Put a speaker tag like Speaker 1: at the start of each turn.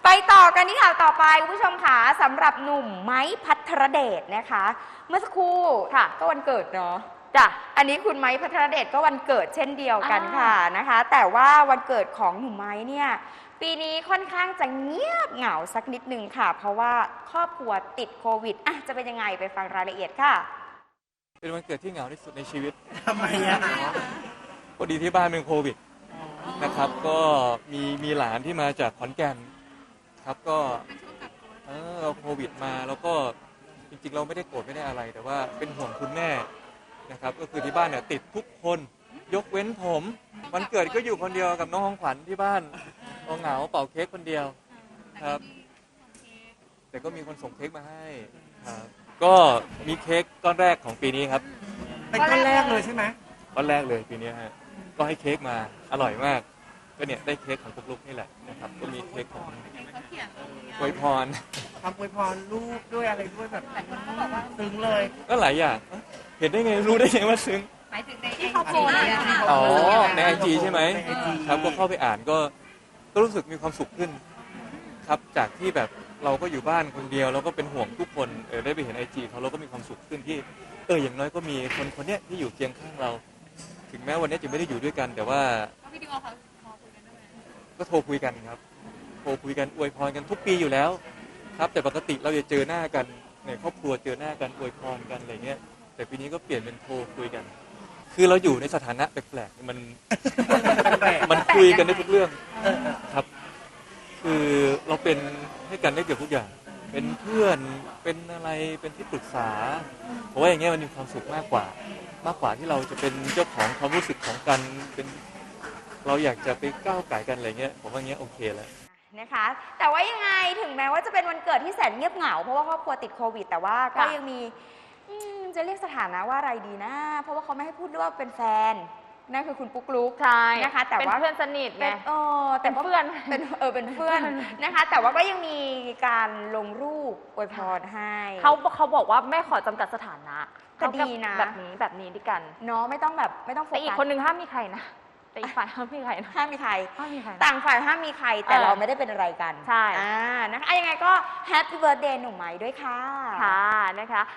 Speaker 1: ไปต่อกันที่ข่าวต่อไปคุณผู้ชมค่ะสำหรับหนุ่มไม้พัทรเดชนะคะ เมื่อสักครู่ค่ะก็วันเกิดเนาะจ้ะอันนี้คุณไม้พัทรเดชก็วันเกิดเช่นเดียวกันค่ะนะคะ แต่ว่าวันเกิดของหนุ่มไม้เนี่ยปีนี้ค่อนข้างจะเงียบเหงาสักนิดนึงค่ะ เพราะว่าครอบครัวติดโควิดจะเป็นยังไงไปฟังรายละเอียดค่ะ
Speaker 2: เป็นวันเกิดที่เหงาที่สุดในชีวิต
Speaker 3: ทำไมอะ
Speaker 2: พอดีที่บ้านเป็นโควิดนะครับก็มีหลานที่มาจากขอนแก่นครับก็เราโควิดมาแล้วก็จริงๆเราไม่ได้โกรธไม่ได้อะไร แต่ว่าเป็นห่วงคุณแม่นะครับก็คือที่บ้านเนี่ยติดทุกคนยกเว้นผมวันเกิดก็อยู่คนเดียวกับน้องของขวัญที่บ้านเหงาเป่าเค้กคนเดียวครับแต่ก็มีคนส่งเค้กมาให้ครับก็มีเค้กก้อนแรกของปีนี้ครับ
Speaker 3: เป็นก้อนแรกเลยใช่ไหม
Speaker 2: ก้อนแรกเลยปีนี้ฮะก็ให้เค้กมาอร่อยมากก็เนี่ยได้เค้กของลุกๆนี่แหละนะครับก็มีเค้กของอวยพร
Speaker 3: ทำอวยพรลูกด้วยอะไรด้วยแบบซึ้งเลย
Speaker 2: ก็หลายอย่างเห็นได้ไงรู้ได้ไงว่าซึ้ง
Speaker 4: หมายถึงในที่เขาโพสต์
Speaker 2: อ๋อในไอจีใช่ไหมครับก็เข้าไปอ่านก็รู้สึกมีความสุขขึ้นครับจากที่แบบเราก็อยู่บ้านคนเดียวแล้วก็เป็นห่วงทุกคนได้ไปเห็นไอจีเขาเราก็มีความสุขขึ้นที่อย่างน้อยก็มีคนเนี้ยที่อยู่เคียงข้างเราถึงแม้วันนี้จะไม่ได้อยู่ด้วยกันแต่ว่า
Speaker 4: วิดีโอเขาคุยกันด้วยไหม
Speaker 2: ก็โทรคุยกันครับโทรคุยกันอวยพรกันทุกปีอยู่แล้วครับแต่ปกติเราจะเจอหน้ากันในครอบครัวเจอหน้ากันอวยพรกันอะไรเงี้ยแต่ปีนี้ก็เปลี่ยนเป็นโทรคุยกันคือเราอยู่ในสถานะแปลกๆมันคุยกันได้ทุกเรื่องครับคือเราเป็นให้กันได้เกือบทุกอย่างเป็นเพื่อนเป็นอะไรเป็นที่ปรึกษาเพราะว่าอย่างเงี้ยมันมีความสุขมากกว่าที่เราจะเป็นเจ้าของความรู้สึกของกันเป็นเราอยากจะไปก้าวไก่กันอะไรเงี้ยผมว่าอย่างเงี้ยโอเคแล้ว
Speaker 1: นะคะแต่ว่ายังไงถึงแม้ว่าจะเป็นวันเกิดที่แสนเงียบเหงาเพราะว่าครอบครัวติดโควิดแต่ว่าก็ยังมีจะเรียกสถานะว่าอะไรดีนะเพราะว่าเขาไม่ให้พูดด้วยว่าเป็นแฟนนั่นคือคุณปุ๊กลุ๊ก
Speaker 4: ใช่
Speaker 1: นะคะแต่ว่า
Speaker 4: เป็นเพื่อนสนิทไง
Speaker 1: แต่
Speaker 4: เพื่อน
Speaker 1: เป็นเพื่อนนะคะแต่ว่าก็ยังมีการลงรูปอวยพรให้
Speaker 4: เขาบอกว่าไม่ขอจำกัดสถานะ
Speaker 1: ก็ดีนะ
Speaker 4: แบบนี้ดีกัน
Speaker 1: เนาะไม่ต้องโฟกัส
Speaker 4: แต่อีกคนนึงห้ามมีใครนะแต่อีกฝ่ายห้ามมีใครนะ
Speaker 1: ห้ามมีใครต่างฝ่ายห้ามมีใครแต่เราไม่ได้เป็นอะไรกัน
Speaker 4: ใช่
Speaker 1: นะคะยังไงก็แฮปปี้เบิร์ธเดย์หนุ่มไม้ด้วยค่ะ
Speaker 4: ค่ะนะคะ